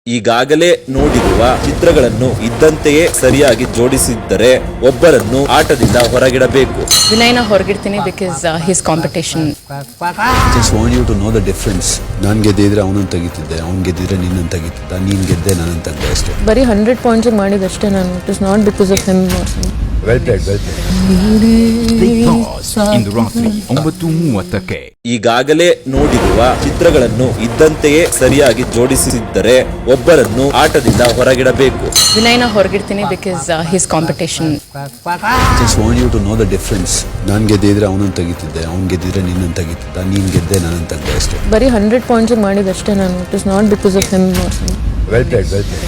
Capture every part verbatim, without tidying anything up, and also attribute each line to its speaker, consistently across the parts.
Speaker 1: ಈಗಾಗಲೇ ನೋಡಿರುವ ಚಿತ್ರಗಳನ್ನು ಇದ್ದಂತೆಯೇ ಸರಿಯಾಗಿ ಜೋಡಿಸಿದ್ದರೆ ಒಬ್ಬರನ್ನು ಆಟದಿಂದ ಹೊರಗಿಡಬೇಕು.
Speaker 2: ವಿನಯ್ನ ಹೊರಗಿಡ್ತೀನಿ because his competition.
Speaker 3: Just want you to know the difference. ನಾನು ಗೆದ್ದಿದ್ರೆ ಅವನನ್ನು ತೆಗಿತಿದ್ದೆ, ಅವ್ನು ಗೆದ್ದಿದ್ರೆ ನಿನ್ನನ್ನು ತೆಗಿತಿದ್ದ, ನೀನು ಗೆದ್ದೆ ನನ್ನನ್ನು ತೆಗ್ದೆ ಅಷ್ಟೇ.
Speaker 2: ಬರೀ ಹಂಡ್ರೆಡ್ ಪಾಯಿಂಟ್ಸ್ ಮಾಡಿದಷ್ಟೇ ನಾನು. It is not because of him.
Speaker 3: Well played, well played.
Speaker 4: ಇಂದು ರಾತ್ರಿ ಒಂಬತ್ತು ಮೂವತ್ತಕ್ಕೆ.
Speaker 1: ಈಗಾಗಲೇ ನೋಡಿರುವ ಚಿತ್ರಗಳನ್ನು ಇದ್ದಂತೆಯೇ ಸರಿಯಾಗಿ ಜೋಡಿಸಿದ್ದರೆ ಒಬ್ಬರನ್ನು ಆಟದಿಂದ ಹೊರಗಿಡಬೇಕು.
Speaker 2: ವಿನಯ್ನ ಹೊರಗಿಡ್ತೀನಿ because his competition.
Speaker 3: Just want you to know the difference. ನಾನು ಗೆದ್ದಿದ್ರೆ ಅವನನ್ನು ತೆಗಿತಿದ್ದೆ, ಅವ್ನು ಗೆದ್ದಿದ್ರೆ ನಿನ್ನನ್ನು ತೆಗಿತಿದ್ದ, ನೀನು ಗೆದ್ದೆ ನನ್ನನ್ನು ತೆಗ್ದೆ ಅಷ್ಟೇ.
Speaker 2: ಬರೀ ಹಂಡ್ರೆಡ್ ಪಾಯಿಂಟ್ಸ್ ಮಾಡಿದಷ್ಟೇ ನಾನು. It is not because of him.
Speaker 3: Well played, well played.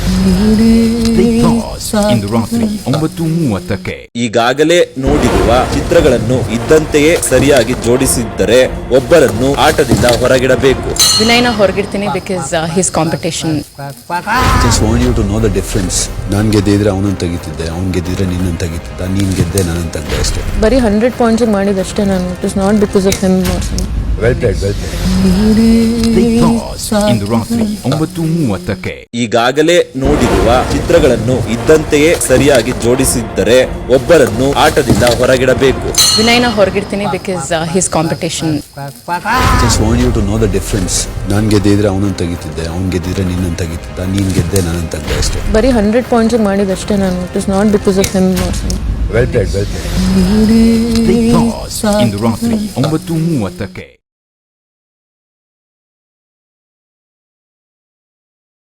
Speaker 4: ಇಂದು ರಾತ್ರಿ ಒಂಬತ್ತು ಮೂವತ್ತಕ್ಕೆ.
Speaker 1: ಈಗಾಗಲೇ ನೋಡಿರುವ ಚಿತ್ರಗಳನ್ನು ಇದ್ದಂತೆಯೇ ಸರಿಯಾಗಿ ಜೋಡಿಸಿದ್ದರೆ ಒಬ್ಬರನ್ನು ಆಟದಿಂದ ಹೊರಗಿಡಬೇಕು.
Speaker 2: ವಿನಯ್ನ ಹೊರಗಿಡ್ತೀನಿ because his competition.
Speaker 3: Just want you to know the difference. ನಾನು ಗೆದ್ದಿದ್ರೆ ಅವನನ್ನು ತೆಗಿತಿದ್ದೆ, ಅವ್ನು ಗೆದ್ದಿದ್ರೆ ನಿನ್ನನ್ನು ತೆಗಿತಿದ್ದ, ನೀನು ಗೆದ್ದೆ ನನ್ನನ್ನು ತೆಗ್ದೆ ಅಷ್ಟೇ.
Speaker 2: ಬರೀ ಹಂಡ್ರೆಡ್ ಪಾಯಿಂಟ್ಸ್ ಮಾಡಿದಷ್ಟೇ ನಾನು. It is not because of him.
Speaker 3: Well played, well played.
Speaker 4: ಇಂದು ರಾತ್ರಿ ಒಂಬತ್ತು ಮೂವತ್ತಕ್ಕೆ.
Speaker 1: ಈಗಾಗಲೇ ನೋಡಿರುವ ಚಿತ್ರಗಳನ್ನು ಇದ್ದಂತೆಯೇ ಸರಿಯಾಗಿ ಜೋಡಿಸಿದ್ದರೆ ಒಬ್ಬರನ್ನು ಆಟದಿಂದ ಹೊರಗಿಡಬೇಕು.
Speaker 2: ವಿನಯ್ನ ಹೊರಗಿಡ್ತೀನಿ because his competition.
Speaker 3: Just want you to know the difference. ನಾನು ಗೆದ್ದಿದ್ರೆ ಅವನನ್ನು ತೆಗಿತಿದ್ದೆ, ಅವ್ನು ಗೆದ್ದಿದ್ರೆ ನಿನ್ನನ್ನು ತೆಗಿತಿದ್ದ, ನೀನು ಗೆದ್ದೆ ನನ್ನನ್ನು ತೆಗ್ದೆ ಅಷ್ಟೇ.
Speaker 2: ಬರೀ ಹಂಡ್ರೆಡ್ ಪಾಯಿಂಟ್ಸ್ ಮಾಡಿದಷ್ಟೇ ನಾನು. It is not because of him.
Speaker 3: Well played, well played.
Speaker 4: ಇಂದು ರಾತ್ರಿ ಒಂಬತ್ತು ಮೂವತ್ತಕ್ಕೆ.